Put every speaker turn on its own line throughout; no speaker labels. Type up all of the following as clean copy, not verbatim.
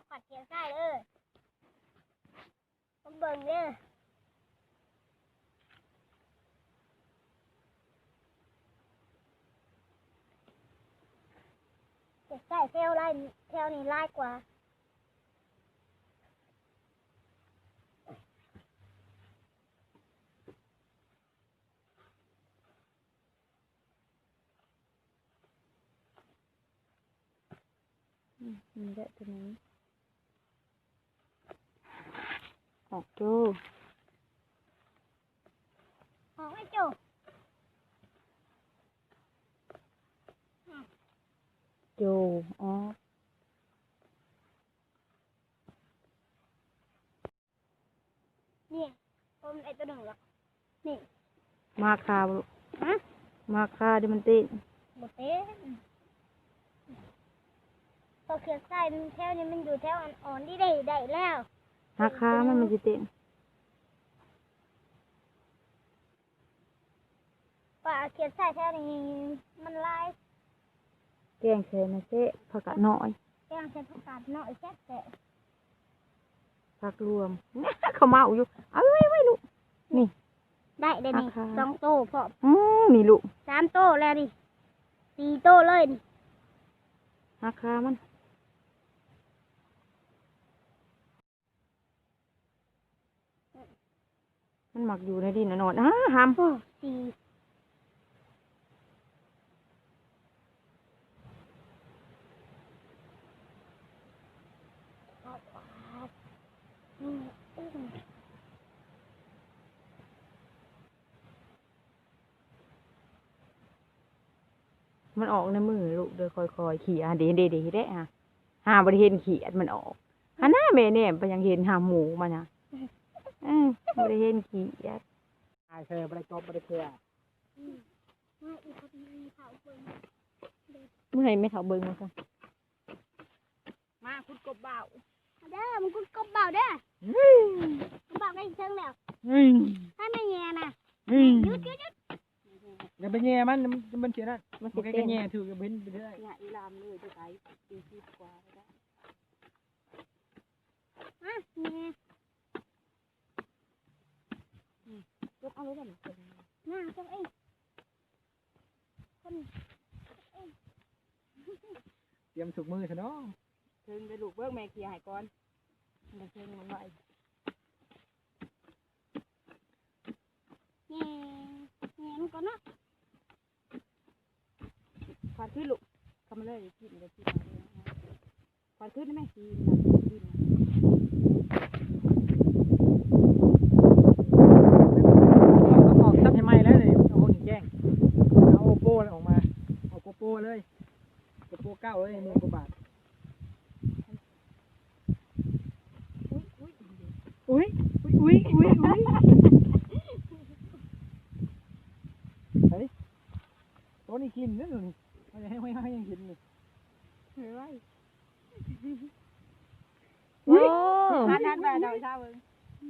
ขัดเขียนใส่เลยมาเบิ่งเด้อเขียนใส่แถวไล่แถวนี้ไล่กว่า
นี่แหละตัวนี้ออกดู
ออกให้จู
ดูอ๋อ
นี่ผมไอ้ตัวหนึ่งหรอกนี่
มาคาบุ
ฮะ
มาคาดิมันติ
หมดเต้พอเขียนใส่แถวนี้มันอยู่แถวอ่อนๆที่ได้แล้ว
มาคามันจะเต็ม
ป่าเขียนใส่แถวนี้มันลาย
แกงเสนะเจ๊ผักกะน้อย
แกงใส่ผักกาดน้อยแซ่บแต่
ผักรวม เขาเมาอยู่เอาไว้ลูกนี่
ได้เดี๋ยวนี้2 โตพอ
นี่ลูก
3 โตแล้วดิ4 โตเลยดิ
ราคามันหมักอยู่ในดินนอนห้าม
4
มันออกในมือลูกเดี๋ยวคอยๆขี่เดี๋ยวได้หาบริเห็นขี่มันออกหน้าแม่เนี่ยไปยังเห็นหาหมูมันบริเห็นขี่
เธอบริจบบริเพื่อ
เมื่อไหร่ไม่เถาเบิ้งมาค่ะ
มาคุณกบเบาเด้อมึงคุณกบเบาเด้อเบาได้เชิงแล้วถ้าไม่แย่นะหยุด
อย่าไปแง่มันเสียนะมันแค่แง่ถือกับเบนไปได้
เนี่ยอีลามเลยจะใช้40 กว่าได้
แย่
ยกเอาไว้ก่อน
น่าจังเองคน
เตรียมถุกมือซะเนาะ
เชิงไปลูกเบิ้งแม่ขี่หายก่อนมันเชิงมันไหว
แย่มันก่อนเนาะ
ควานขึ้นลูกทำมาเลยกินเลยกินควานขึ้นได้ไหมกิน
ออกซับให้ไหมแล้วเลยเอาหินแจ้งเอาโอโป้ออกมาเอาโกโป้เลยโกโป้9เลย10,000 กว่าบาทอุ้ยเฮ้ยตัวนี้กินนั่นนี่ให้ยังกินนี่
เฮ้ยโอ้ทันแบบดอยชาเบิ้ง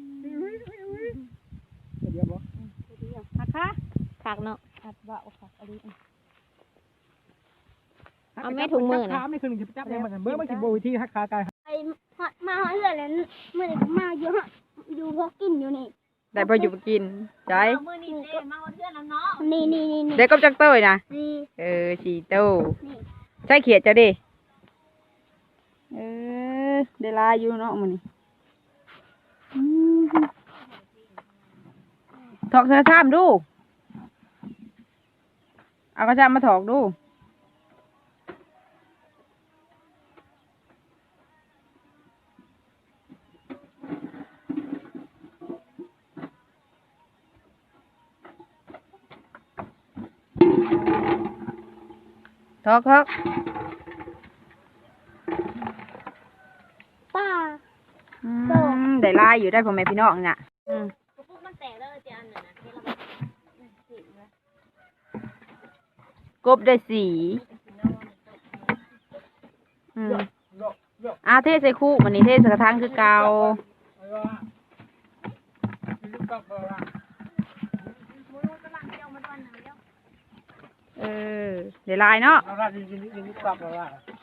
เดี๋ยวบ่
หักค่ะหักเนาะหักว่าหักอะไรเอาแม่ถุงมือนะ
ขาไม่คือ1จะจับได้มันเบิ่งมันสิบ่วิธีหักขากาย
ไอ้มาเรื่อยเลยเมื่อไหร่มาอยู่พอกินอยู่นี่
ได้พออยู่กินใจ
มื้อนี้เด้มาเพื่อนแล้วเนาะนี่
เด็กกับจักเต้ยนะ4 โต้ใช่เขียดจะดิได้ลายอยู่เนาะมื้อนี้ถอกเสื้อซ้ำดูเอากระชากมาถอกดูถอก
ป้า
ได้ลายอยู่ได้พ่อแม่พี่น้องน่ะ
ปุ๊บมันแตกแล้วจะอันนึงนะ
กบได้สีเทใส่คู่มันนี่เทใส่กระถางคือเก่าเดี๋ยวลายเนาะ